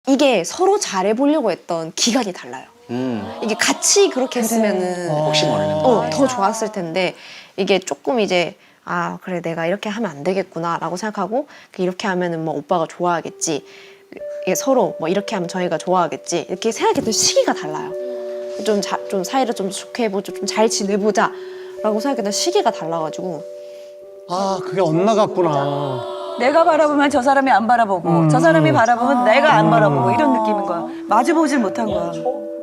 이게 서로 잘해보려고 했던 기간이 달라요. 이게 같이 그렇게 했으면은 혹시 모르는 더 좋았을 텐데 이게 조금 이제 아 그래 내가 이렇게 하면 안 되겠구나 라고 생각하고 이렇게 하면은 뭐 오빠가 좋아하겠지, 이게 서로 뭐 이렇게 하면 저희가 좋아하겠지 이렇게 생각했던 시기가 달라요. 좀 사이를 좀 좋게 해보자, 좀 잘 지내보자 라고 생각했던 시기가 달라가지고. 아, 그게 엇나갔구나. 내가 바라보면 저 사람이 안 바라보고 저 사람이 바라보면 내가 안 바라보고 이런 느낌인 거야. 마주보질 못한 거야.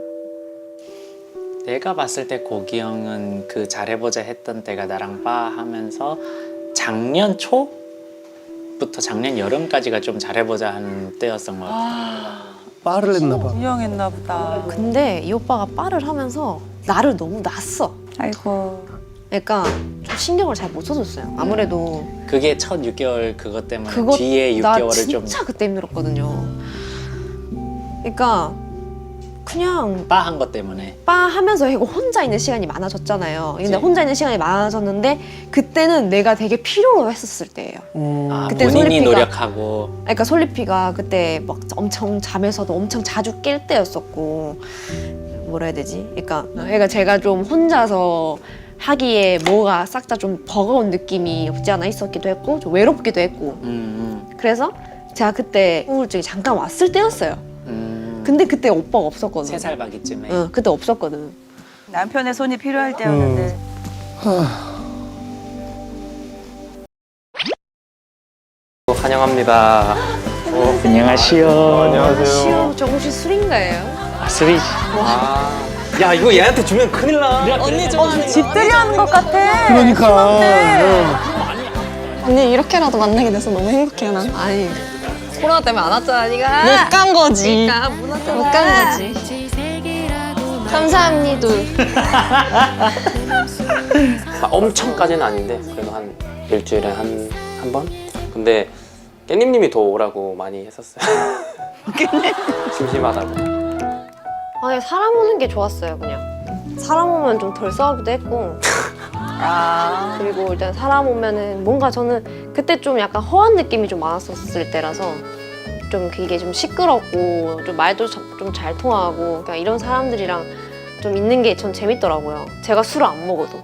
내가 봤을 때 고기 형은 그 잘해보자 했던 때가 나랑 바 하면서 작년 초부터 작년 여름까지가 좀 잘해보자 하는 때였던 것 같아. 빠를 했나 봐. 유명했나 보다. 근데 이 오빠가 빠를 하면서 나를 너무 놨어. 아이고. 그러니까 좀 신경을 잘 못 써줬어요. 아무래도 그게 첫 6개월 그것 때문에 그거 뒤에 나 6개월을 좀 진짜 그때 힘들었거든요. 그러니까 그냥 바 한 것 때문에 빠 하면서 이거 혼자 있는 시간이 많아졌잖아요. 근데 그치. 혼자 있는 시간이 많아졌는데 그때는 내가 되게 필요로 했었을 때예요. 그때 본인이 솔리피가- 노력하고 그러니까 솔리피가 그때 막 엄청 잠에서도 엄청 자주 깰 때였었고, 뭐라 해야 되지? 그러니까 제가 좀 혼자서 하기에 뭐가 싹 다 좀 버거운 느낌이 없지 않아 있었기도 했고 좀 외롭기도 했고, 그래서 제가 그때 우울증이 잠깐 왔을 때였어요. 근데 그때 오빠가 없었거든. 3살 바기쯤에 응, 그때 없었거든. 남편의 손이 필요할 때였는데. 환영합니다. 안녕하시오. 시험 저 혹시 술인가요? 스윗 야, 이거 얘한테 주면 큰일 나. 집들이 하는 것 같아. 그러니까. 언니 이렇게라도 만나게 돼서 너무 행복해요 난. 아니 코로나 때문에 안 왔잖아 니가. 못 간 거지. 그러니까 못 왔잖아. 못 간 거지. 감사합니다. 엄청까지는 아닌데 그래도 한 일주일에 한 번? 근데 깻잎님이 더 오라고 많이 했었어요. 심심하다고. 아니 사람 오는 게 좋았어요. 그냥 사람 오면 좀 덜 싸우기도 했고. 그리고 일단 사람 오면은 뭔가 저는 그때 좀 약간 허한 느낌이 좀 많았었을 때라서 좀 이게 좀 시끄럽고 좀 말도 좀 잘 통하고 그냥 이런 사람들이랑 좀 있는 게 전 재밌더라고요. 제가 술을 안 먹어도.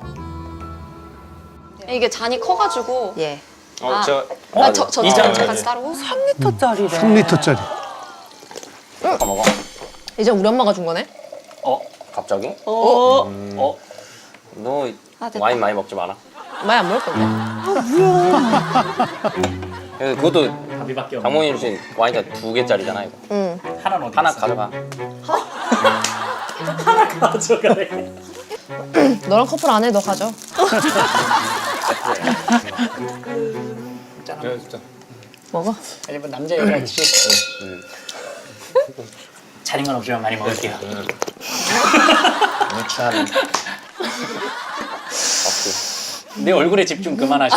이게 잔이 커가지고. 예. 저 이장 같이 따르고. 3리터짜리래. 3리터짜리. 먹어. 이제 우리 엄마가 준 거네? 갑자기? 어? 너 됐다. 와인 많이 먹지 마라. 많이 안 먹을 건데. 그것도 밥이밖에 없는 장모님 주신 와인가 2개짜리잖아 이거. 응. 하나는 어디 하나 있어? 가져가. 가져가래. 너랑 커플 안 해, 너 가져. 진짜. 먹어. 아니 뭐 남자 여자지. 차린 건 없지만 많이 먹을게요. 참. 내 얼굴에 집중 그만하시오.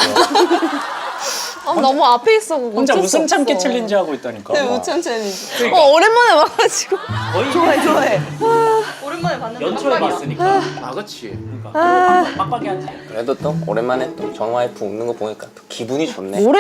너무 앞에 있어. 혼자 웃음 참기 챌린지 하고 있다니까. 우천 챌린지. 오랜만에 와가지고. 거의 좋아해. 오랜만에 봤는데. 연초에 봤으니까. 그렇지. 그러니까 빡빡이 하지. 그래도 또 오랜만에 또 전 와이프 웃는 거 보니까 또 기분이 좋네. 뭐래?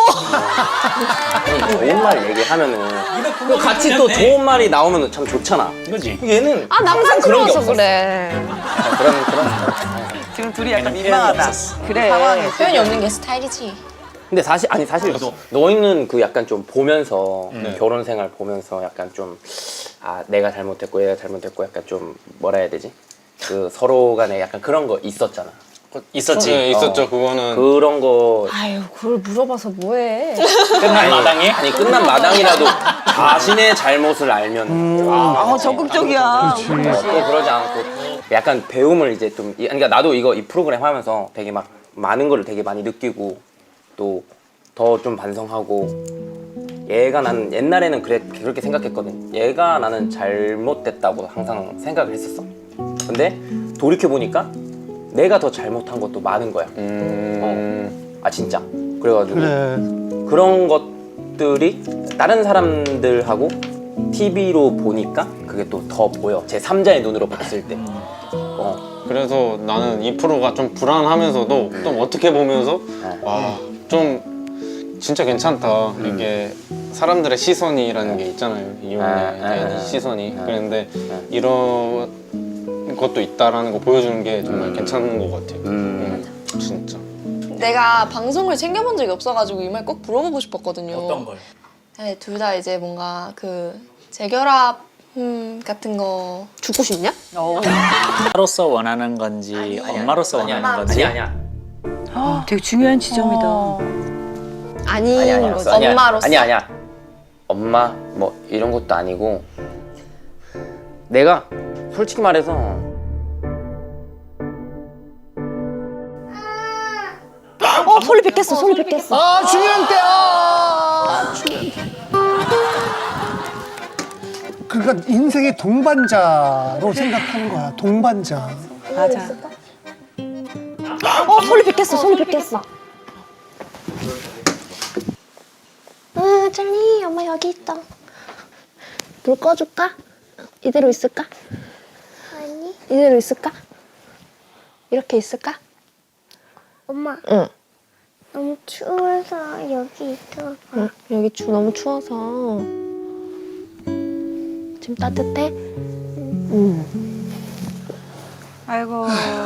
아니, 좋은 말 얘기하면은 또 같이 또 좋은 말이 나오면 참 좋잖아. 이거지. 얘는 아, 항상 그런 게 남상스러워서 없었어. 그래. 그런. 지금 둘이 약간 민망하다. 그래. 표현이 없는 게 스타일이지. 근데 사실 너희는 그 약간 좀 보면서 결혼 생활 보면서 약간 좀 내가 잘못했고 얘가 잘못했고 약간 좀 뭐라 해야 되지? 그 서로 간에 약간 그런 거 있었잖아. 있었지. 네, 있었죠. 그거는 그런 거 아유, 그걸 물어봐서 뭐해. 끝난 마당에? 아니 끝난 마당이라도 자신의 잘못을 알면 적극적이야. 또 그러지 않고 약간 배움을 이제 좀 그러니까 나도 이 프로그램 하면서 되게 막 많은 거를 되게 많이 느끼고 또 더 좀 반성하고 나는 옛날에는 그렇게 생각했거든. 나는 잘못됐다고 항상 생각을 했었어. 근데 돌이켜보니까 내가 더 잘못한 것도 많은 거야. 진짜. 그래가지고 그래. 그런 것들이 다른 사람들하고 TV로 보니까 그게 또 더 보여. 제 3자의 눈으로 봤을 때. 그래서 나는 이 프로가 좀 불안하면서도 좀 어떻게 보면서 와, 좀 진짜 괜찮다. 이게 사람들의 시선이라는 게 있잖아요. 이혼에 대한 시선이. 그런데 이런 것도 있다라는 거 보여주는 게 정말 괜찮은 것 같아요. 진짜. 내가 방송을 챙겨본 적이 없어가지고 이 말 꼭 물어보고 싶었거든요. 어떤 걸? 네, 둘 다 이제 뭔가 그 재결합 같은 거 죽고 싶냐? 엄마로서 원하는 건지 엄마로서 원하는 건지. 아니야. 되게 중요한 지점이다. 아닌 거죠. 엄마로서? 아니야. 엄마 뭐 이런 것도 아니고 내가 솔직히 말해서 소리 뺏겼어, 소리 뺏겼어. 아 중요한 때야. 그러니까 인생의 동반자로 생각하는 거야. 동반자. 맞아. 소리 뺏겼어, 소리 뺏겼어. 찰리, 엄마 여기 있다. 불 꺼줄까? 이대로 있을까? 아니, 이대로 있을까? 이렇게 있을까? 엄마. 응. 너무 추워서 여기 있어. 응. 여기 너무 추워서. 지금 따뜻해? 아이고.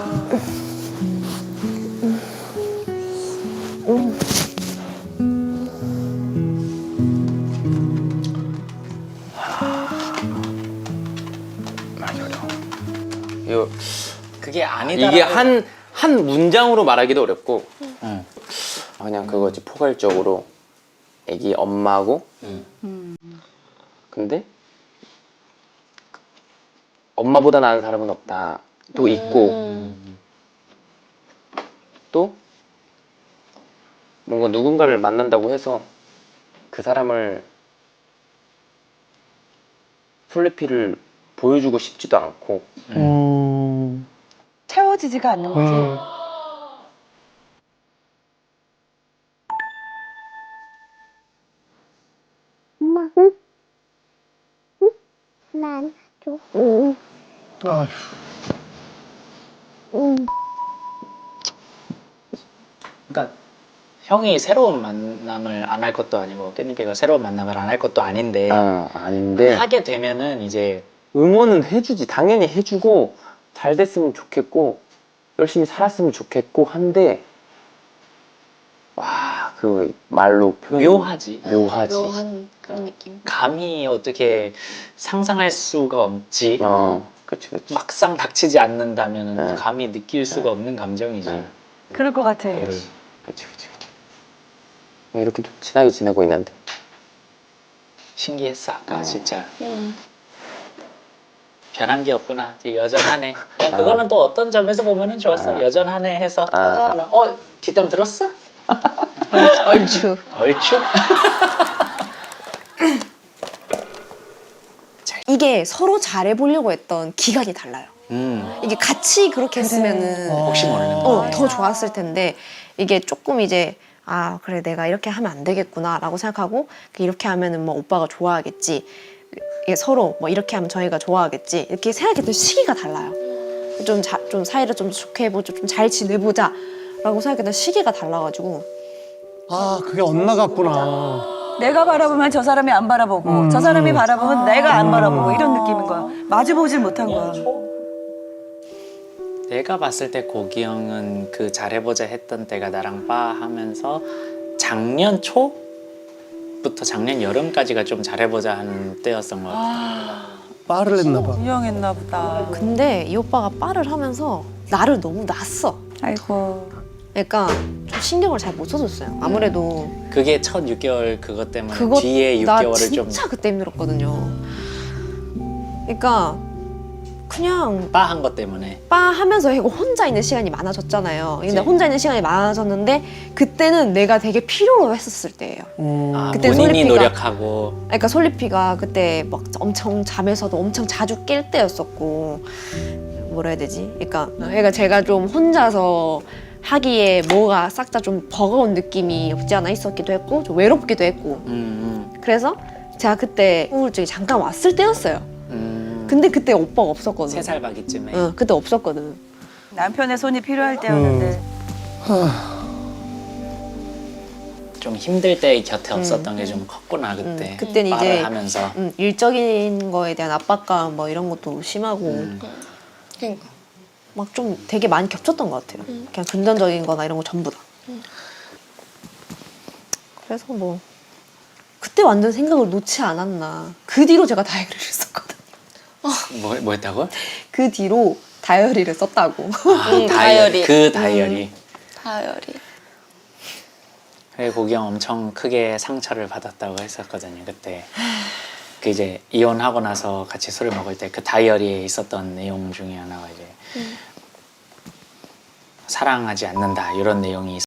말이 어려워. 이거 그게 아니다. 이게 한 문장으로 말하기도 어렵고 응. 그냥 그거지. 포괄적으로 애기 엄마고 근데 엄마보다 나은 사람은 없다 또 있고 또 뭔가 누군가를 만난다고 해서 그 사람을 솔레피를 보여주고 싶지도 않고 채워지지가 않는 거지. 엄마, 응? 응? 난 줘. 응. 아휴. 응. 그러니까 형이 새로운 만남을 안 할 것도 아니고 깻잎이가 새로운 만남을 안 할 것도 아닌데 아닌데 하게 되면은 이제 응원은 해주지. 당연히 해주고 잘 됐으면 좋겠고 열심히 살았으면 좋겠고 한데 와 그 말로 표현 묘하지. 묘하지. 묘한 그런 느낌. 감히 어떻게 상상할 수가 없지. 그치. 막상 닥치지 않는다면 네. 감히 느낄 수가 없는 감정이지. 네. 그럴 것 같아. 그치. 이렇게 좀 친하게 지내고 있는데 신기했어 아까 진짜. 변한 게 없구나. 이제 여전하네. 그거는 또 어떤 점에서 보면은 좋았어. 여전하네 해서 뒷담 들었어? 얼추. 얼추? 이게 서로 잘해보려고 했던 기간이 달라요. 이게 같이 그렇게 했으면은 혹시 모르는 거. 더 좋았을 텐데 이게 조금 이제 아 그래 내가 이렇게 하면 안 되겠구나라고 생각하고 이렇게 하면은 뭐 오빠가 좋아하겠지. 이게 서로 뭐 이렇게 하면 저희가 좋아하겠지. 이렇게 생각했던 시기가 달라요. 좀 사이를 좀 좋게 해보자, 좀 잘 지내보자라고 생각했던 시기가 달라가지고. 아 그게 엇나갔구나. 내가 바라보면 저 사람이 안 바라보고 저 사람이 바라보면 내가 안 바라보고 이런 느낌인 거야. 마주보질 못한 거야. 내가 봤을 때 고기 형은 그 잘해보자 했던 때가 나랑 빠 하면서 작년 초부터 작년 여름까지가 좀 잘해보자 하는 때였던 것 같아. 빠를 냈나 봐. 유형했나 보다. 근데 이 오빠가 빠를 하면서 나를 너무 놨어. 아이고. 그러니까 좀 신경을 잘 못 써줬어요. 아무래도 그게 첫 6개월 그것 때문에 그거 뒤에 나 6개월을 좀 진짜 그때 힘들었거든요. 그러니까 그냥 빠한 것 때문에. 빠 하면서 이거 혼자 있는 시간이 많아졌잖아요. 근데 그치. 혼자 있는 시간이 많아졌는데 그때는 내가 되게 필요로 했었을 때예요. 아, 그때 본인이 솔리피가- 노력하고. 그러니까 솔리피가 그때 막 엄청 잠에서도 엄청 자주 깰 때였었고 뭐라 해야 되지? 그러니까 제가 좀 혼자서 하기에 뭐가 싹 다 좀 버거운 느낌이 없지 않아 있었기도 했고 좀 외롭기도 했고 그래서 제가 그때 우울증이 잠깐 왔을 때였어요. 근데 그때 오빠가 없었거든. 3살 바기쯤에. 응, 그때 없었거든. 남편의 손이 필요할 때였는데. 좀 힘들 때 곁에 없었던 게 좀 컸구나 그때. 그때는 빠를 이제 하면서. 일적인 거에 대한 압박감 뭐 이런 것도 심하고 그러니까. 막 좀 되게 많이 겹쳤던 것 같아요. 그냥 금전적인 거나 이런 거 전부 다. 그래서 뭐 그때 완전 생각을 놓지 않았나. 그 뒤로 제가 다이어리를 썼거든요. 뭐 했다고? 그 뒤로 다이어리를 썼다고. 다이어리. 그 다이어리. 다이어리. 그래 고기형 엄청 크게 상처를 받았다고 했었거든요 그때. 그 이제 이혼하고 나서 같이 술을 먹을 때 그 다이어리에 있었던 내용 중에 하나가 이제 사랑하지 않는다 이런 내용이